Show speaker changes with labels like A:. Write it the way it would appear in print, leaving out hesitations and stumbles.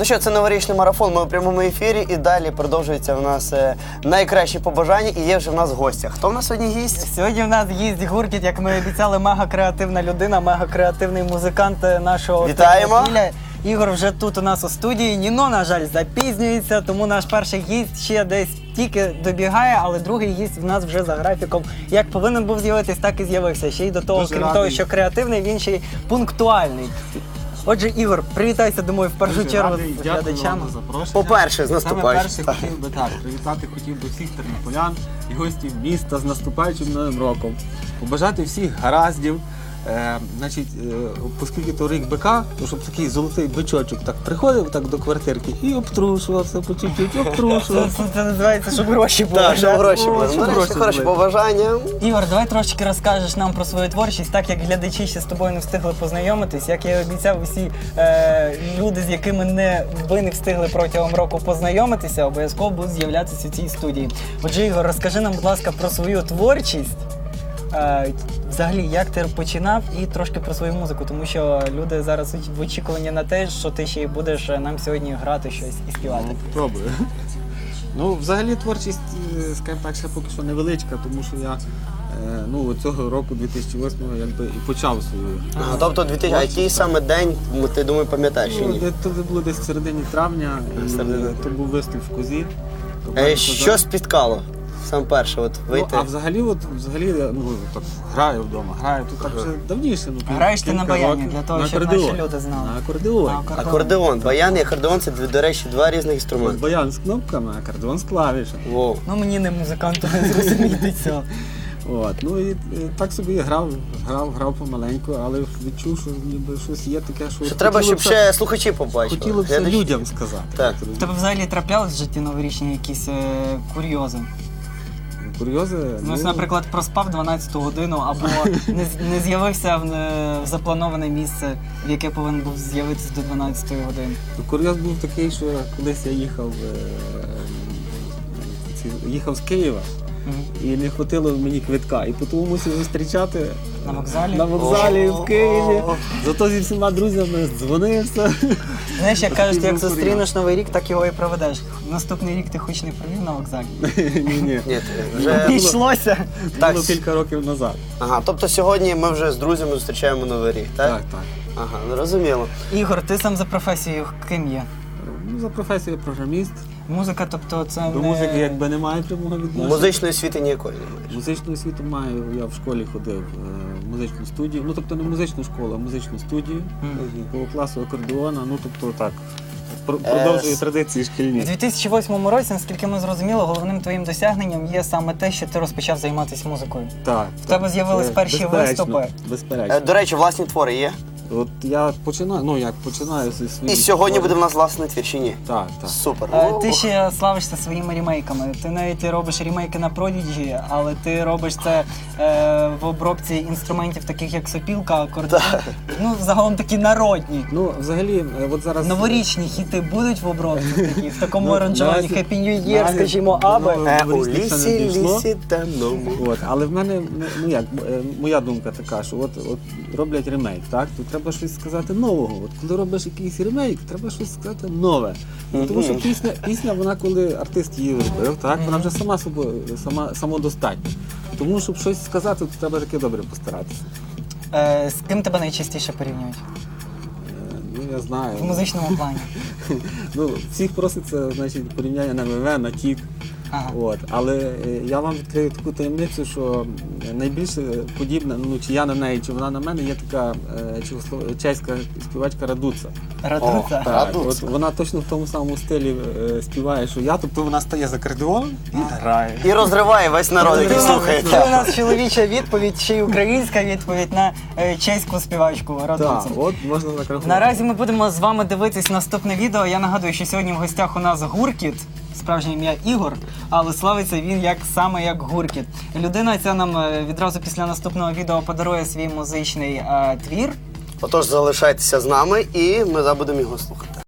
A: Ну що, це новорічний марафон, ми у прямому ефірі і далі продовжується у нас найкращі побажання і є вже в нас гостя. Хто в нас сьогодні гість?
B: Сьогодні в нас гість Гуркіт, як ми обіцяли, мега-креативна людина, мега-креативний музикант нашого
A: Вітаємо!
B: Тернопіля. Ігор вже тут у нас у студії. Ніно, на жаль, запізнюється, тому наш перший гість ще десь тільки добігає, але другий гість в нас вже за графіком. Як повинен був з'явитись, так і з'явився. Ще й до того,
C: Дуже
B: крім
C: радий.
B: того, що креативний, він ще й пунктуальний. Отже, Ігор, привітайся, думаю, в першу чергу з глядачами.
A: По-перше, з наступаючим.
C: Саме перше хотів би всіх тернополян і гостів міста з наступаючим Новим роком. Побажати всіх гараздів. Оскільки то рік бика, то щоб такий золотий бичочок так приходив так до квартирки і обтрушувався по чуть-чуть, обтрушувався.
B: Це називається, щоб гроші були.
A: Так, щоб гроші були.
C: щоб
A: Ну,
C: гроші
A: речі, хороші
C: були.
A: побажання.
B: Ігор, давай трошки розкажеш нам про свою творчість, так як глядачі ще з тобою не встигли познайомитись. Як я і обіцяв, усі люди, з якими ви не встигли протягом року познайомитися, обов'язково будуть з'являтися у цій студії. Отже, Ігор, розкажи нам, будь ласка, про свою творчість. Взагалі, як ти починав і трошки про свою музику, тому що люди зараз в очікуванні на те, що ти ще й будеш нам сьогодні грати щось і співати.
C: Пробую. Ну, взагалі творчість, скажімо так, ще поки що невеличка, тому що я цього року, 2008-го, якби і почав свою.
A: Ага, тобто, а який саме день, ти думаю, пам'ятаєш чи ні?
C: Це було десь в середині травня, то був виступ в Козі.
A: Що спіткало? Саме перше, от вийти.
C: А взагалі так граю вдома, тут так вже давніше.
B: Граєш ти на
C: кілька
B: баяні,
C: років.
B: для того,
C: На
B: щоб
C: акордеон.
B: наші люди знали.
C: На акордеоні.
A: Акордеон. Баян і акордеон – це, до речі, два різних інструменти.
C: Баян з кнопками, акордеон з клавішами.
A: Воу.
B: Ну, мені не музиканту не зрозуміти цього.
C: Ну і так собі грав помаленьку, але відчув, що ніби щось є таке,
A: Що треба, щоб ще слухачі побачили.
C: Хотіло б це
A: Глядачі.
C: людям сказати.
A: Так.
B: В тебе взагалі траплялись в житті новорічні якісь курйози?
C: Курйози?
B: Ну, ось, наприклад, проспав 12-ту годину або не з'явився в заплановане місце, в яке повинен був з'явитися до 12-ї години.
C: Курйоз був такий, що колись я їхав з Києва. І не хватило мені квитка. І тому мусив зустрічати
B: На вокзалі?
C: на вокзалі в Києві. Зато зі всіма друзями дзвонився.
B: Знаєш, як кажуть, як
C: був
B: зустрінеш Новий рік, так його і проведеш. Наступний рік ти хоч не провів на вокзалі.
C: Ні.
A: Ні, вже...
B: Пішлося.
A: Так.
C: Було кілька років назад.
A: Ага, тобто сьогодні ми вже з друзями зустрічаємо Новий рік, так?
C: Так.
A: Ага, зрозуміло.
B: Ігор, ти сам за професією ким є?
C: Ну, за професією програміст.
B: Музика, тобто це
C: До музики якби немає прямого відношення.
A: Музичної освіти ніякої немає.
C: Музичну освіту маю, я в школі ходив в музичну студію. Ну, тобто не музичну школу, а музичну студію. По класу акордеона, тобто так. Продовжую традиції
B: У
C: шкільні.
B: 2008 році, наскільки ми зрозуміли, головним твоїм досягненням є саме те, що ти розпочав займатися музикою.
C: Так.
B: В тебе з'явились
C: Це
B: перші виступи.
C: Безперечно.
A: До речі, власні твори є?
C: От я починаю зі своїх...
A: І сьогодні буде в нас власний твір, чи ні?
C: Так.
A: Супер.
B: Ти ще славишся своїми ремейками. Ти навіть робиш ремейки на Prodigy, але ти робиш це в обробці інструментів, таких як сопілка, акордеон. Ну, загалом такі народні.
C: Ну, взагалі, от зараз...
B: Новорічні хіти будуть в обробці такі, в такому
C: Ну,
B: аранжуванні
C: наразі-
B: Happy New Year,
C: наразі-
B: скажімо, аби.
A: У
C: Новорічні ще не дійшло.
A: лісі темному.
C: От, але в мене, моя думка така, що от роблять ремейк, так? То треба щось сказати нового. От коли робиш якийсь ремейк, треба щось сказати нове. Тому що пісня, вона коли артист її робив, так, вона вже самодостатня. Тому, щоб щось сказати, то треба таки добре постаратися.
B: З ким тебе найчастіше порівнюють?
C: Я знаю.
B: В музичному плані.
C: Всіх проситься, значить, порівняння на МВ, на Тік.
B: Ага.
C: Але я вам відкрию таку таємницю, що найбільше подібна, чи я на неї, чи вона на мене, є така чеська співачка Радуца.
B: Радуца?
A: Радуца.
C: От вона точно в тому самому стилі співає, що я, тобто вона стає за акордеон і грає.
A: І розриває весь народ, який слухає.
B: Це у нас чоловіча відповідь, ще й українська відповідь на чеську співачку
C: Так,
B: Радуцу.
C: от можна так рахувати.
B: Наразі ми будемо з вами дивитись наступне відео. Я нагадую, що сьогодні в гостях у нас Гуркіт, справжнє ім'я Ігор, але славиться він саме як Гуркіт. Людина ця нам відразу після наступного відео подарує свій музичний твір.
A: Отож, залишайтеся з нами і ми будемо його слухати.